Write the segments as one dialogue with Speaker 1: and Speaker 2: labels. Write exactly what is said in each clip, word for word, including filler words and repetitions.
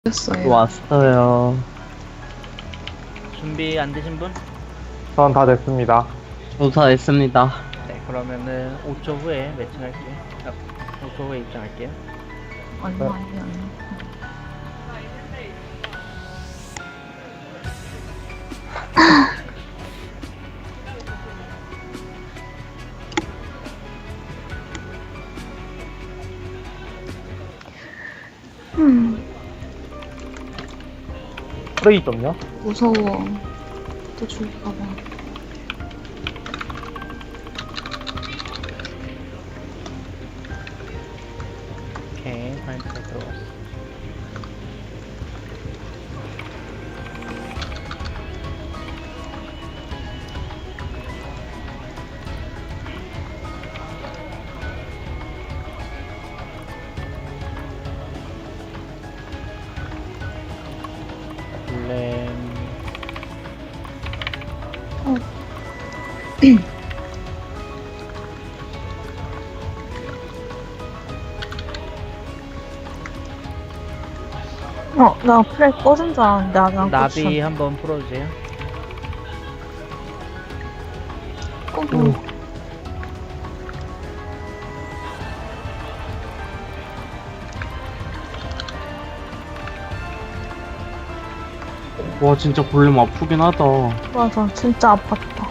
Speaker 1: 됐어요.
Speaker 2: 왔어요.
Speaker 3: 준비 안 되신 분?
Speaker 4: 전 다 됐습니다.
Speaker 2: 조사했습니다.
Speaker 3: 네, 그러면은 오 초 후에 매칭할게요. 아, 오 초 후에 입장할게요.
Speaker 1: 얼마 아니 아니. 음
Speaker 4: 프레이 좀요?
Speaker 1: 무서워. 또 죽을까봐.
Speaker 3: 오케이, 파인트가 들어갔어. 블렘.
Speaker 1: 어. 어, 나 플레이 꺼진 줄 알았는데 아직 안
Speaker 3: 나비
Speaker 1: 껐어.
Speaker 3: 한번 풀어주세요.
Speaker 1: 끄고.
Speaker 2: 와 진짜 골렘 아프긴 하다.
Speaker 1: 맞아, 진짜 아팠다.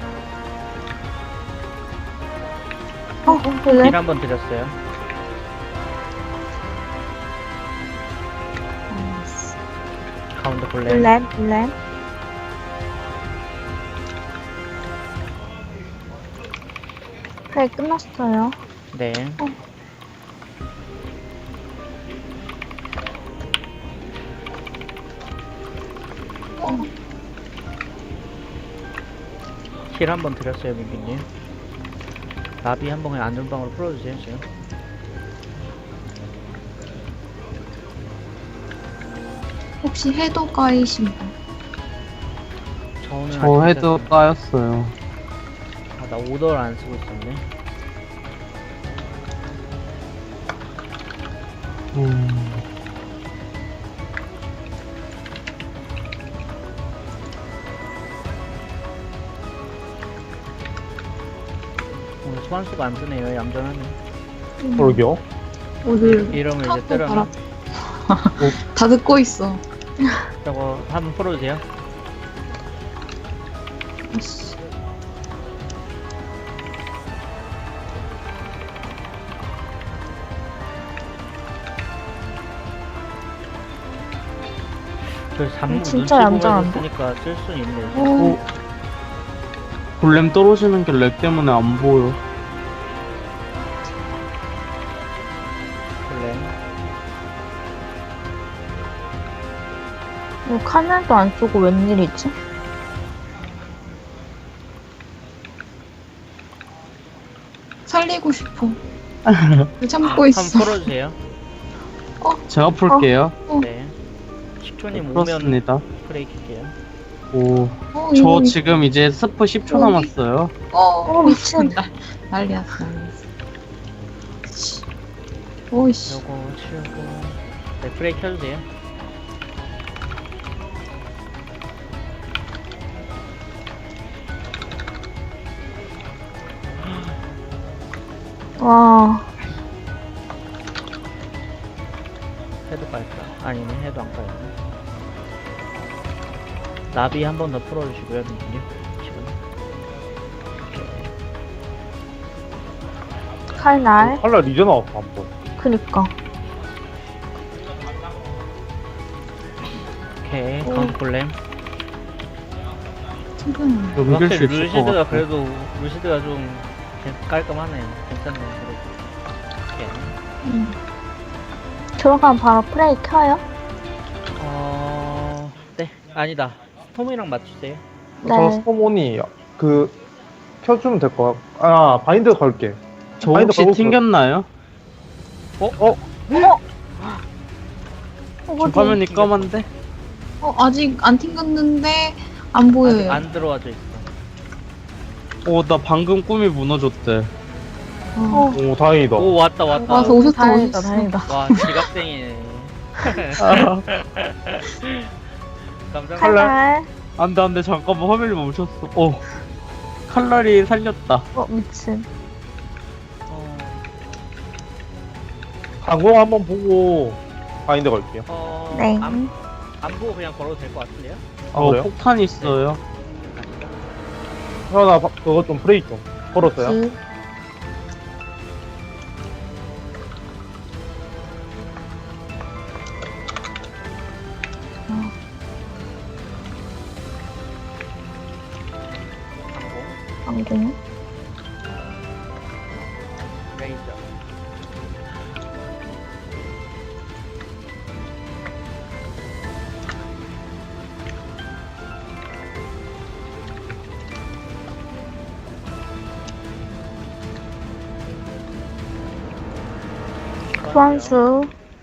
Speaker 1: 어,
Speaker 3: 힐
Speaker 1: 그래?
Speaker 3: 한번 드렸어요. 가운데 블렘.
Speaker 1: 블랙, 블랙. 플레이 끝났어요.
Speaker 3: 네.
Speaker 1: 어,
Speaker 3: 힐 한번 드렸어요, 민기님. 나비 한번 그냥 안전방으로 풀어주세요, 지금.
Speaker 1: 혹시 해도가이신 분?
Speaker 3: 저는
Speaker 2: 저
Speaker 3: 아직
Speaker 2: 헤드
Speaker 3: 괜찮습니다.
Speaker 2: 까였어요.
Speaker 3: 아, 나 오더를 안 쓰고 있었네.
Speaker 2: 음,
Speaker 3: 오늘 소환수가 안 뜨네요, 얌전하네.
Speaker 4: 그러게요.
Speaker 1: 오늘
Speaker 3: 이러면 이제
Speaker 1: 타고
Speaker 3: 때려면
Speaker 1: 다 듣고 있어.
Speaker 3: 저거 한번 풀어주세요.
Speaker 1: 아이씨.
Speaker 3: 저 잠무
Speaker 1: 진짜
Speaker 3: 눈치 보면서
Speaker 1: 얌전한데?
Speaker 3: 쓰니까 쓸 수 있네.
Speaker 1: 오,
Speaker 2: 어, 골렘 떨어지는 게 렉 때문에 안 보여.
Speaker 3: 블렘.
Speaker 1: 이거 카멜도 안 쓰고 웬일이지? 살리고 싶어. 참고
Speaker 3: 한번
Speaker 1: 있어.
Speaker 3: 풀어주세요.
Speaker 2: 제가 풀게요.
Speaker 3: 네. 식초님
Speaker 2: 네,
Speaker 3: 오면
Speaker 2: 풀었습니다.
Speaker 3: 프레이 킬게요.
Speaker 2: 오,
Speaker 1: 어,
Speaker 2: 저
Speaker 1: 이거-
Speaker 2: 지금 이제 스프 십 초
Speaker 1: 여기?
Speaker 2: 남았어요.
Speaker 1: 어, 미친. 난리야, 난리야. 오이씨.
Speaker 3: 요거 치우고. 네, 프레이 켜주세요.
Speaker 1: 와,
Speaker 3: 헤드 깔까? 아니네, 헤드 안 깔네. 나비 한 번 더 풀어주시고요, 민기님. 지금. 오케이.
Speaker 1: 칼날.
Speaker 4: 칼날 이제 나왔어, 한 번.
Speaker 1: 그니까.
Speaker 3: 오케이,
Speaker 1: 오.
Speaker 3: 카운트 블렘.
Speaker 1: 지금.
Speaker 2: 이길 수
Speaker 3: 확실히
Speaker 2: 있을 것
Speaker 3: 루시드가
Speaker 2: 같아.
Speaker 3: 그래도 루시드가 좀 괜- 깔끔하네요. 괜찮네요. 그래도. 오케이.
Speaker 1: 음. 들어가면 바로 플레이 켜요?
Speaker 3: 어, 네, 아니다. 스톰이랑 맞추세요.
Speaker 4: 저
Speaker 1: 네.
Speaker 4: 스포몬이 그 켜주면 될 것 같고. 아, 바인드 걸게.
Speaker 2: 저
Speaker 4: 바인드
Speaker 2: 혹시
Speaker 4: 걸고
Speaker 2: 튕겼나요?
Speaker 4: 어? 어?
Speaker 1: 어,
Speaker 2: 저
Speaker 1: 어디?
Speaker 2: 화면이 검은데?
Speaker 1: 어, 아직 안 튕겼는데 안
Speaker 3: 아직
Speaker 1: 보여요.
Speaker 3: 안 들어와져 있어.
Speaker 2: 오, 나 방금 꿈이 무너졌대.
Speaker 1: 어.
Speaker 4: 오, 다행이다.
Speaker 3: 오, 왔다, 왔다.
Speaker 1: 와서 오셨다,
Speaker 5: 다행이다,
Speaker 1: 오셨어.
Speaker 5: 다행이다.
Speaker 3: 와, 지각생이네.
Speaker 2: 아,
Speaker 3: 감사합니다.
Speaker 1: 칼날.
Speaker 2: 안돼 안돼 잠깐만 화면이 멈췄어. 어 칼날이 살렸다.
Speaker 1: 어, 미친.
Speaker 3: 어,
Speaker 4: 강공 한번 보고 바인드 걸게요.
Speaker 3: 어,
Speaker 1: 네.
Speaker 3: 안, 안 보고 그냥 걸어도 될 것 같은데요?
Speaker 4: 아,
Speaker 2: 어
Speaker 4: 그래요?
Speaker 2: 폭탄 있어요.
Speaker 4: 형, 나 바- 그거 좀 프레이 좀. 걸었어요?
Speaker 1: 기.
Speaker 3: 항공,
Speaker 1: 항공.
Speaker 3: 레이저.
Speaker 1: 소환수.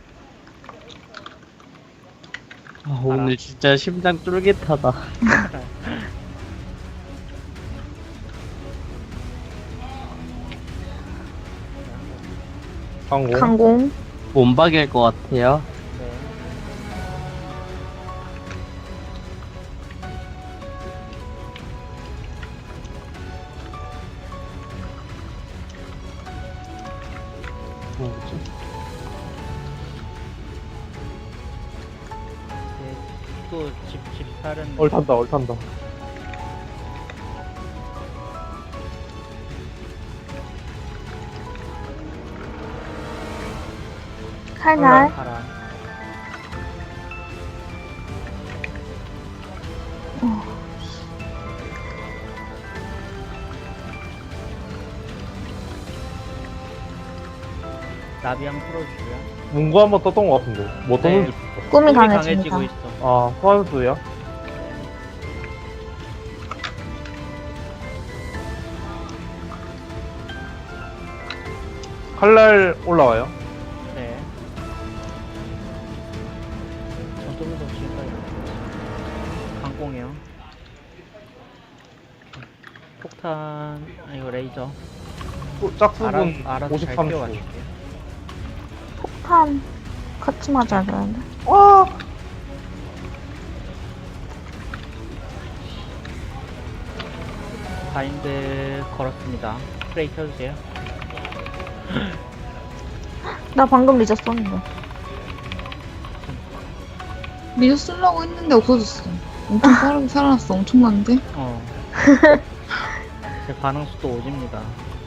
Speaker 2: 아, 오늘 진짜 심장 쫄깃하다.
Speaker 4: 강공.
Speaker 1: 강공.
Speaker 2: 몸박일 것 같아요.
Speaker 3: 네.
Speaker 2: 뭐지?
Speaker 3: 네. 또 집, 집살은.
Speaker 4: 얼탄다, 얼탄다.
Speaker 1: 칼날.
Speaker 3: 바람. 나비 한번 풀어주고요.
Speaker 4: 문구 한번 떴던 것 같은데. 뭐 떴는지.
Speaker 3: 네.
Speaker 1: 꿈이
Speaker 3: 꿈이
Speaker 1: 강해집니다.
Speaker 3: 강해지고 있어.
Speaker 4: 아, 소환수야? 칼날 올라와요.
Speaker 3: 네. 전투부터 지금까지 강공이요. 폭탄, 아, 이거 레이저.
Speaker 4: 또
Speaker 3: 알아,
Speaker 4: 짝수분
Speaker 3: 알아서 잘
Speaker 4: 오십삼 초.
Speaker 3: 뛰어가실게요.
Speaker 1: 폭탄. 같이 맞아야 되는데.
Speaker 4: 와!
Speaker 3: 바인드 걸었습니다. 프레이 켜주세요.
Speaker 1: 나 방금 늦었었는데.
Speaker 5: 미드 쓰려고 했는데 없어졌어. 엄청 빠르게 살아났어. 엄청난데?
Speaker 3: 어. 제 반응 속도 오집니다.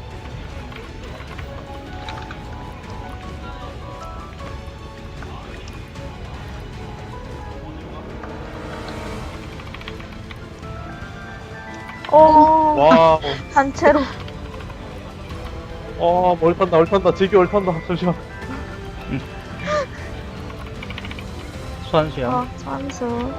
Speaker 1: 어,
Speaker 4: 와,
Speaker 1: 단체로.
Speaker 4: 와, 얼탄다, 얼탄다. 제기 얼탄다. 잠시만.
Speaker 3: 수환수요.
Speaker 1: 어, 소환수.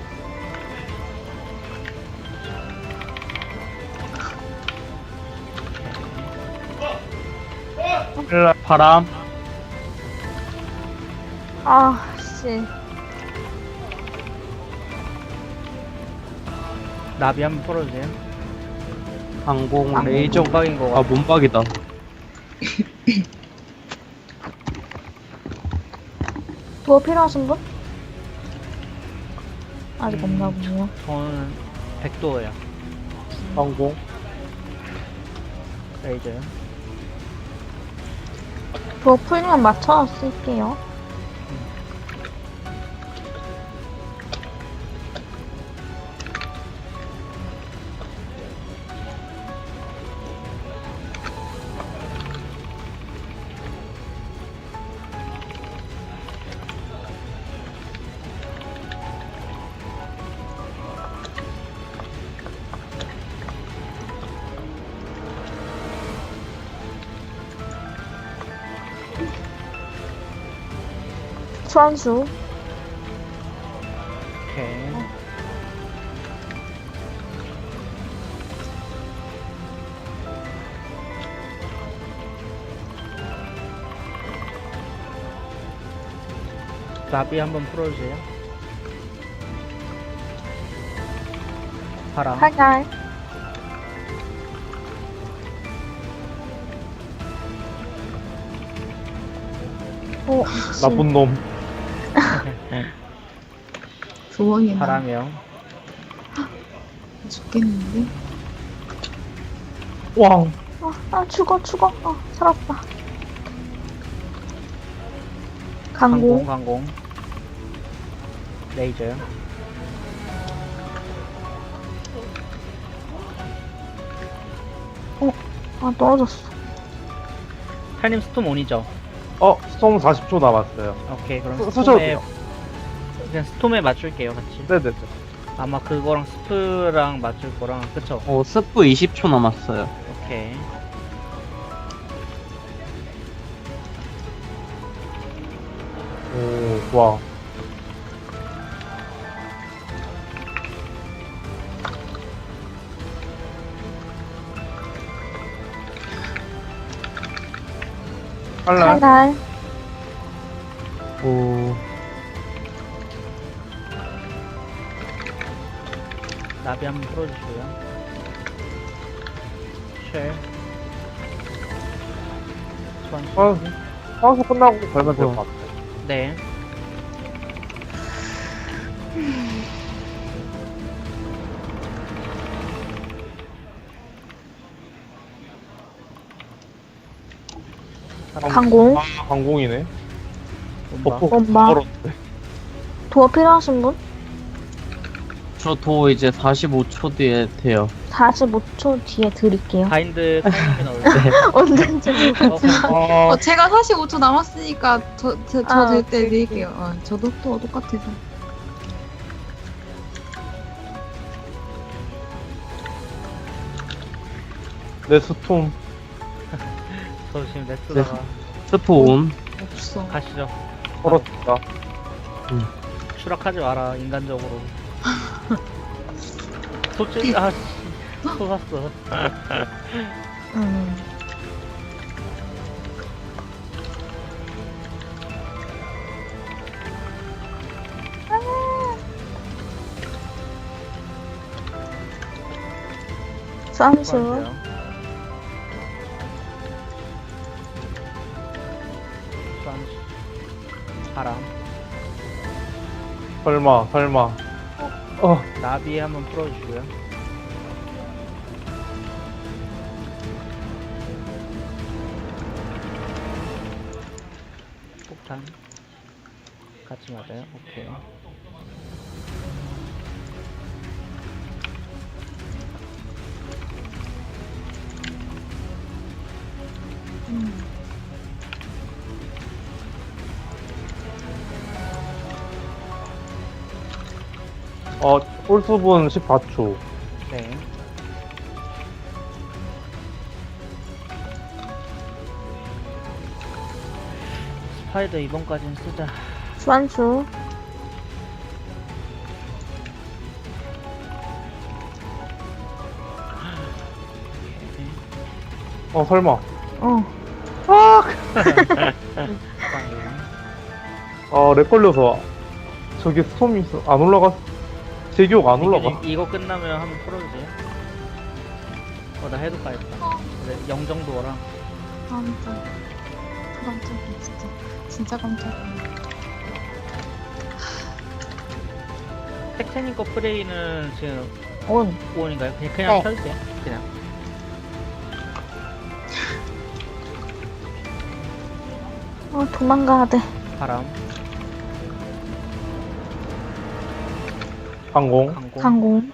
Speaker 4: 칼날.
Speaker 2: 바람.
Speaker 1: 아, 씨.
Speaker 3: 나비 한번 풀어주세요.
Speaker 2: 항공
Speaker 1: 아,
Speaker 2: 레이저.
Speaker 3: 몸박인 거
Speaker 2: 아
Speaker 3: 같아.
Speaker 2: 몸박이다.
Speaker 1: 뭐 필요하신 분? 아직 없나 보네요.
Speaker 3: 저는 백도예요.
Speaker 4: 강공.
Speaker 3: 레이저요.
Speaker 1: 뭐 풀면 맞춰 쓸게요. 소환수.
Speaker 3: 오케이. 나비 한번 풀어주세요. 바람.
Speaker 1: 칼날. 오, 미친.
Speaker 4: 나쁜 놈.
Speaker 5: 조언이 나
Speaker 3: 바람이요.
Speaker 5: 죽겠는데?
Speaker 4: 와,
Speaker 1: 아, 아 죽어 죽어. 어 살았다.
Speaker 3: 강공,
Speaker 1: 강공.
Speaker 3: 강공. 레이저요.
Speaker 1: 아 떨어졌어.
Speaker 3: 탈님 스톰 온이죠?
Speaker 4: 어, 스톰 사십 초 남았어요.
Speaker 3: 오케이, 그럼
Speaker 4: 쓰- 쓰셔도
Speaker 3: 스톰에,
Speaker 4: 돼요.
Speaker 3: 그냥 스톰에 맞출게요, 같이.
Speaker 4: 네네네.
Speaker 3: 아마 그거랑 스프랑 맞출 거랑, 그쵸?
Speaker 2: 어, 스프 이십 초 남았어요.
Speaker 3: 오케이.
Speaker 4: 오, 좋아. 칼날.
Speaker 1: 칼날.
Speaker 4: 오,
Speaker 3: 나비 한번 풀어주시고요. 쉘. 소환.
Speaker 4: 아, 화수 끝나고 걸면 될 것 같아.
Speaker 3: 네.
Speaker 1: 강공.
Speaker 4: 아, 강공이네.
Speaker 3: 온바.
Speaker 4: 버프
Speaker 1: 엄마.
Speaker 4: 걸었는데.
Speaker 1: 도어 필요하신 분?
Speaker 2: 저 도 이제 사십오 초 뒤에 돼요.
Speaker 1: 사십오 초 뒤에 드릴게요.
Speaker 3: 바인드 타이밍이 나올게요.
Speaker 1: 언제인지 모르겠어.
Speaker 3: 어,
Speaker 4: 아,
Speaker 5: 어, 제가 사십오 초 남았으니까 저, 저,
Speaker 1: 아,
Speaker 5: 저 될 때
Speaker 1: 오케이,
Speaker 5: 드릴게요. 어, 저도 또 똑같아서.
Speaker 4: 내 스톰.
Speaker 3: 저 지금 넷스다가
Speaker 2: 스프 온.
Speaker 5: 없어.
Speaker 3: 가시죠.
Speaker 4: 걸었다.
Speaker 3: 추락하지 마라, 인간적으로. 소ጭ, 아, 씨. 쏟았어.
Speaker 1: 음. 쌈수.
Speaker 3: 수고하세요. 수고하세요. 바람.
Speaker 4: 설마, 설마. 어,
Speaker 3: 나비 한번 풀어주시고요. 폭탄. 같이 맞아요? 오케이.
Speaker 4: 어, 홀수분 십사 초.
Speaker 3: 네. 스파이더 이번까지는 쓰자.
Speaker 1: 수완수.
Speaker 4: 어, 설마.
Speaker 1: 어.
Speaker 4: 아, 렉 걸려서. 저기 스톰이 있어. 안 올라가. 제 기억 안 올라가.
Speaker 3: 이게- 이거 끝나면 한번 풀어주세요. 어, 나 해도 가야겠다. 근데 영 정도랑.
Speaker 5: 깜짝. 깜짝이야, 진짜. 진짜 깜짝이야.
Speaker 3: 텍테님 거 프레이는 지금
Speaker 1: 온.
Speaker 3: 오원인가요? 그냥, 그냥
Speaker 1: 네.
Speaker 3: 펴주세요. 그냥.
Speaker 1: 어, 도망가야 돼.
Speaker 3: 바람,
Speaker 4: 항공.
Speaker 3: 강공.
Speaker 1: 강공.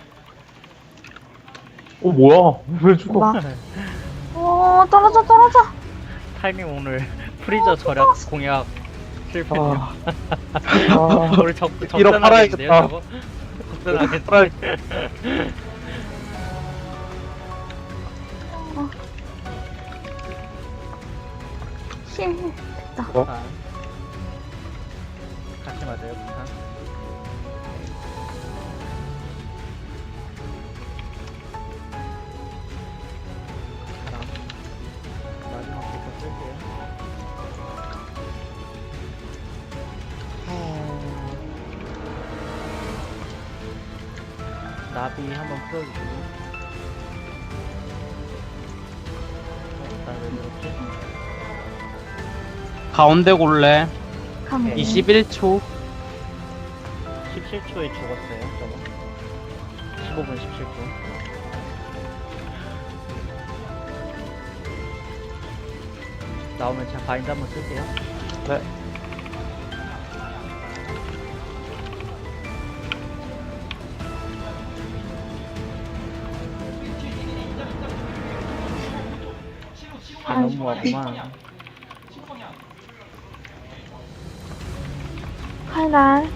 Speaker 4: 어, 뭐야? 왜 죽어?
Speaker 1: 막. 어, 떨어져, 떨어져.
Speaker 3: 타이밍 오늘 프리저 절약 공약 실패.
Speaker 4: 아, 아,
Speaker 3: 오늘 적,
Speaker 4: 이러
Speaker 3: 적전하겠는데요,
Speaker 4: 팔아야겠다.
Speaker 3: 저거? 적전하겠는데.
Speaker 4: 팔아야-
Speaker 1: 힐. 됐다.
Speaker 4: 어?
Speaker 3: 아. 같이 맞아요, 부산. 바람. 마지막 부터 쓸게요. 나비 한번 풀어주시고. 어, 나왜 이렇지?
Speaker 2: 가운데 골래
Speaker 1: 강공.
Speaker 3: 네.
Speaker 2: 이십일 초.
Speaker 3: 십칠 초에 죽었어요, 저거. 십오 분 십칠 초. 나오면 제가 바인드 한번 쓸게요.
Speaker 4: 네.
Speaker 3: 아, 너무하구만.
Speaker 1: 칼날.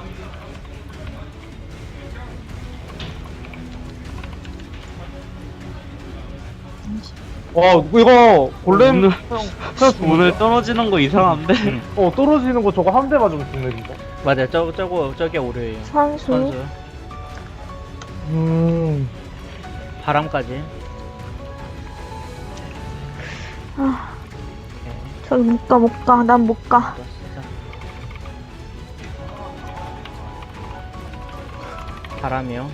Speaker 4: 와 이거 골렘
Speaker 2: 오늘-
Speaker 4: 그냥, 그냥 죽는
Speaker 2: 오늘
Speaker 4: 거야?
Speaker 2: 떨어지는 거 이상한데?
Speaker 4: 어 떨어지는 거 저거 한 대 맞으면 죽네 진짜.
Speaker 3: 맞아요, 저거, 저거, 저게 오류예요.
Speaker 1: 선수.
Speaker 3: 선수.
Speaker 4: 음.
Speaker 3: 바람까지.
Speaker 1: 아,
Speaker 3: 오케이.
Speaker 1: 저기 못 가, 못 가. 난 못 가.
Speaker 3: 또 쓰자. 바람이요.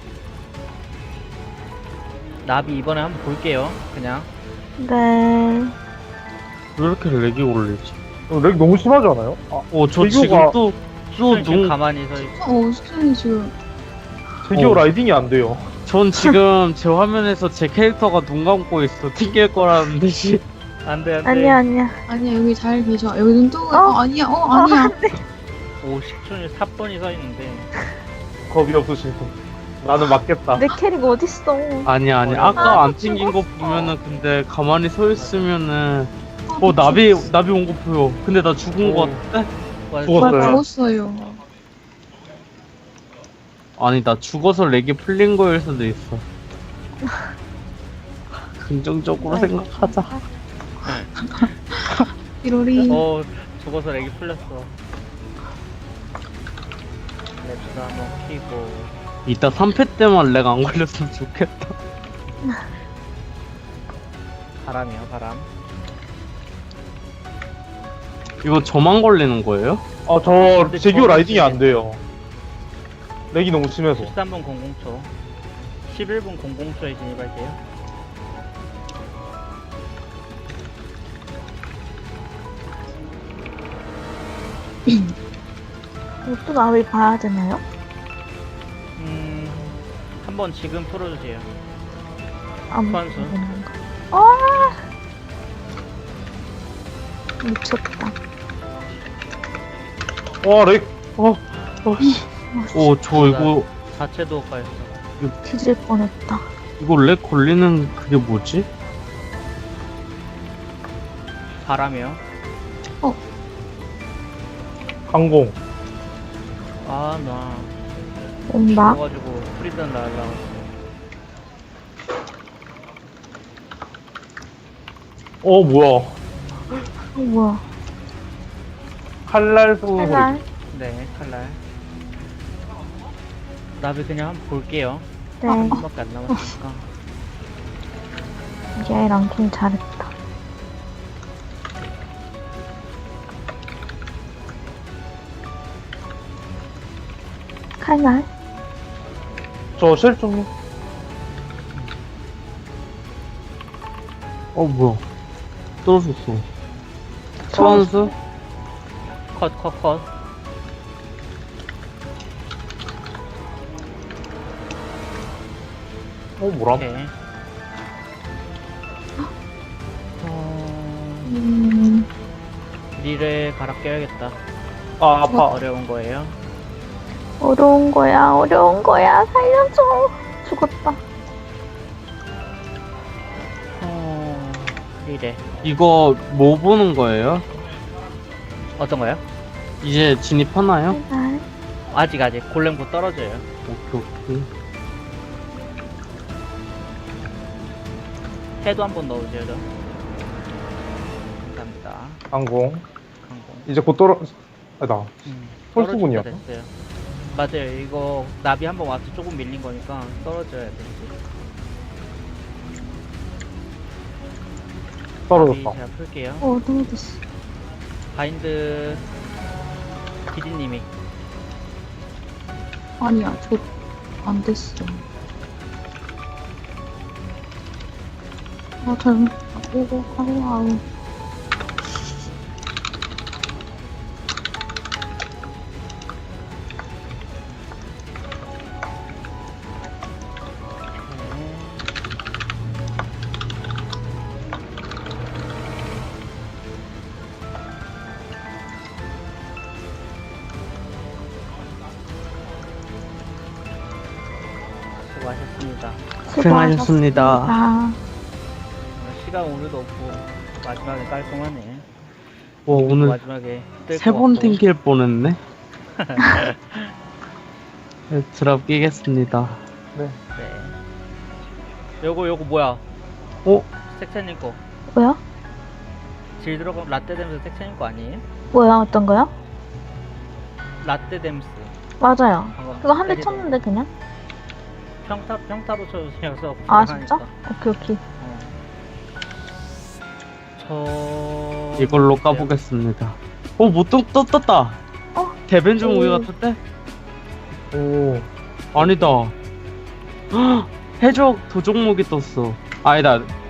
Speaker 3: 나비 이번에 한번 볼게요. 그냥.
Speaker 1: 네.
Speaker 2: 왜 이렇게 렉이 올리지?
Speaker 4: 어, 렉 너무 심하지 않아요? 아,
Speaker 2: 어, 저
Speaker 4: 제규가-
Speaker 2: 지금 또, 또
Speaker 3: 지금
Speaker 2: 눈,
Speaker 3: 가만히 서 있...
Speaker 5: 어, 수준이 지금.
Speaker 4: 제기어
Speaker 2: 어.
Speaker 4: 라이딩이 안 돼요.
Speaker 2: 전 지금 제 화면에서 제 캐릭터가 눈 감고 있어. 튕길 거라는 듯이.
Speaker 3: 안 돼, 안 돼.
Speaker 1: 아니야, 아니야.
Speaker 5: 아니야, 여기 잘 계셔. 여기 눈 뜨고.
Speaker 1: 어?
Speaker 5: 어, 아니야, 어, 아니야.
Speaker 3: 오십 초에 사 번이 서 있는데.
Speaker 4: 겁이 없으신 분. 나는 맞겠다.
Speaker 1: 내 캐릭 어딨어.
Speaker 2: 아니야, 아니야.
Speaker 3: 뭐라고?
Speaker 2: 아까
Speaker 1: 아,
Speaker 2: 안 튕긴 거 보면은, 근데 가만히 서 있으면은,
Speaker 5: 아,
Speaker 2: 어, 나비,
Speaker 5: 미쳤어.
Speaker 2: 나비 온 거 보여. 근데 나 죽은 거
Speaker 4: 어.
Speaker 2: 같아?
Speaker 3: 맞아,
Speaker 4: 죽었어요.
Speaker 5: 나 죽었어요.
Speaker 2: 아니, 나 죽어서 렉이 풀린 거일 수도 있어. 긍정적으로 생각하자.
Speaker 5: 띠로리.
Speaker 3: 어, 죽어서 렉이 풀렸어. 랩스 한번 키고.
Speaker 2: 이따 삼 패 때만 렉 안 걸렸으면 좋겠다.
Speaker 3: 바람이요, 바람.
Speaker 2: 이거 저만 걸리는 거예요?
Speaker 4: 아, 저
Speaker 3: 근데
Speaker 4: 제기어
Speaker 3: 저거
Speaker 4: 라이딩이 안
Speaker 3: 지금-
Speaker 4: 돼요. 렉이 너무 심해서.
Speaker 3: 십삼 분 공공 초. 십일 분 공공 초에 진입할게요.
Speaker 1: 또 나비 봐야 되나요?
Speaker 3: 음, 한번 지금 풀어주세요.
Speaker 1: 안
Speaker 3: 선수.
Speaker 1: 보는 거. 아! 미쳤다.
Speaker 4: 와, 렉. 어, 어, 씨.
Speaker 2: 오, 저 이거,
Speaker 3: 자체도 까였어.
Speaker 1: 뒤질 뻔했다.
Speaker 2: 이거 렉 걸리는 그게 뭐지?
Speaker 3: 바람이요.
Speaker 4: 항공.
Speaker 3: 아, 나.
Speaker 1: 온다.
Speaker 3: 죽어가지고 프리든 날라갔어.
Speaker 4: 어, 뭐야.
Speaker 1: 어, 뭐야.
Speaker 4: 칼날 수.
Speaker 1: 칼날.
Speaker 3: 네, 칼날. 나비 그냥 한번 볼게요.
Speaker 1: 네.
Speaker 3: 한 번밖에 안 남았으니까.
Speaker 1: 얘 랑킹 잘했다. 칼날.
Speaker 4: 저 실종님.
Speaker 2: 어, 뭐야. 떨어졌어. 선수?
Speaker 3: 컷, 컷, 컷.
Speaker 4: 어, 뭐라?
Speaker 3: 오케이. 어...
Speaker 5: 음,
Speaker 3: 릴을 갈아 껴야겠다.
Speaker 4: 아, 아파.
Speaker 3: 어려운 거예요.
Speaker 1: 어려운 거야, 어려운 거야. 살려줘. 죽었다.
Speaker 3: 어... 릴에.
Speaker 2: 이거 뭐 보는 거예요?
Speaker 3: 어떤 거요?
Speaker 2: 이제 진입하나요?
Speaker 1: 칼날.
Speaker 3: 아직 아직 골렘 곧 떨어져요.
Speaker 2: 오케이, 오케이.
Speaker 3: 해도 한번 넣어주세요. 저. 감사합니다.
Speaker 4: 항공.
Speaker 3: 항공.
Speaker 4: 이제 곧 떨어. 아, 나.
Speaker 3: 음,
Speaker 4: 펄스군요.
Speaker 3: 떨어질 때 됐어요. 맞아요. 이거 나비 한번 와서 조금 밀린 거니까 떨어져야 돼. 나비
Speaker 4: 떨어졌다.
Speaker 3: 제가 풀게요.
Speaker 5: 어, 떨어졌어.
Speaker 3: 바인드 기디님이
Speaker 5: 아니야, 저, 안 됐어. 아, 잘못, 오고, 가고, 아우.
Speaker 3: 수고하셨습니다.
Speaker 2: 고생하셨습니다.
Speaker 1: 아,
Speaker 3: 오늘 시간 오늘도 없고 마지막에 깔끔하네.
Speaker 2: 와, 오늘
Speaker 3: 마지막에 뜰
Speaker 2: 세
Speaker 3: 것
Speaker 2: 번
Speaker 3: 같고.
Speaker 2: 튕길 뻔했네. 네, 드랍 끼겠습니다.
Speaker 4: 네.
Speaker 3: 네. 요거 요거 뭐야?
Speaker 2: 어?
Speaker 3: 색채님 거.
Speaker 1: 뭐야?
Speaker 3: 질 들어가 라떼 댐스 색채님 거 아니에요?
Speaker 1: 뭐야, 어떤 거요?
Speaker 3: 라떼 댐스.
Speaker 1: 맞아요.
Speaker 3: 방금
Speaker 1: 그거 한 대
Speaker 3: 때리던
Speaker 1: 쳤는데, 그냥?
Speaker 3: 평타 평타로 쳐주셔서
Speaker 1: 아,
Speaker 3: 불안하니까.
Speaker 1: 진짜? 오케이, 오케이.
Speaker 3: 어. 저
Speaker 2: 이걸로 까보겠습니다. 어, 못 떴, 떴, 떴다.
Speaker 1: 어?
Speaker 2: 대벤중 우유
Speaker 1: 오.
Speaker 2: 같은데?
Speaker 4: 오.
Speaker 2: 아니다. 헉, 해적 도종목이 떴어. 아니다.